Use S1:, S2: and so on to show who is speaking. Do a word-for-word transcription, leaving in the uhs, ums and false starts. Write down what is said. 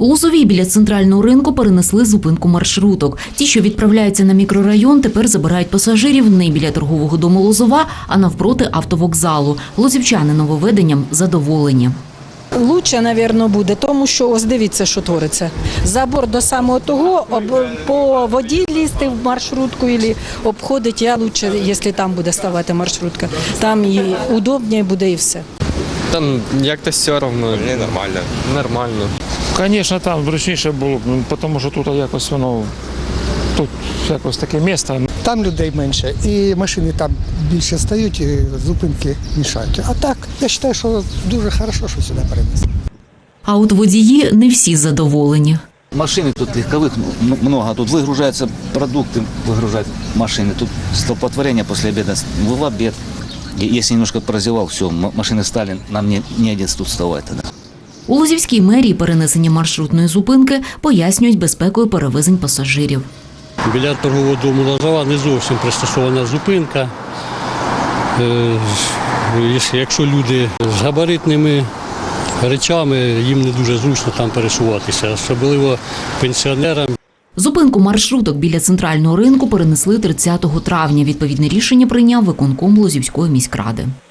S1: У Лозовій біля центрального ринку перенесли зупинку маршруток. Ті, що відправляються на мікрорайон, тепер забирають пасажирів не біля торгового дому Лозова, а навпроти автовокзалу. Лозівчани нововведенням задоволені.
S2: Лучше, мабуть, буде, тому що ось дивіться, що твориться. Забор до самого того, об, по воді лізти в маршрутку або обходить, я краще, якщо там буде ставати маршрутка. Там і удобніше буде і все.
S3: Там як-то все одно. Не нормально. Нормально.
S4: Звісно, там зручніше було б, тому що тут якось воно, тут якось таке місце.
S5: Там людей менше і машини там більше стають, і зупинки мішають. А так, я вважаю, що дуже добре, що сюди перенесли.
S1: А от водії не всі задоволені.
S6: Машины тут легковых много, тут выгружаются продукты, выгружают машины. Тут столпотворение после обеда, в обед. Если немножко прозевал, все, машины стали, нам не, не один тут вставать тогда.
S1: У Лозівській мерії перенесення маршрутної зупинки пояснюють безпекою перевезень пасажирів.
S7: Біля торгового дому Лозова не зовсім пристосована зупинка. Якщо люди з габаритними речами, їм не дуже зручно там пересуватися, особливо пенсіонерам.
S1: Зупинку маршруток біля центрального ринку перенесли тридцятого травня. Відповідне рішення прийняв виконком Лозівської міськради.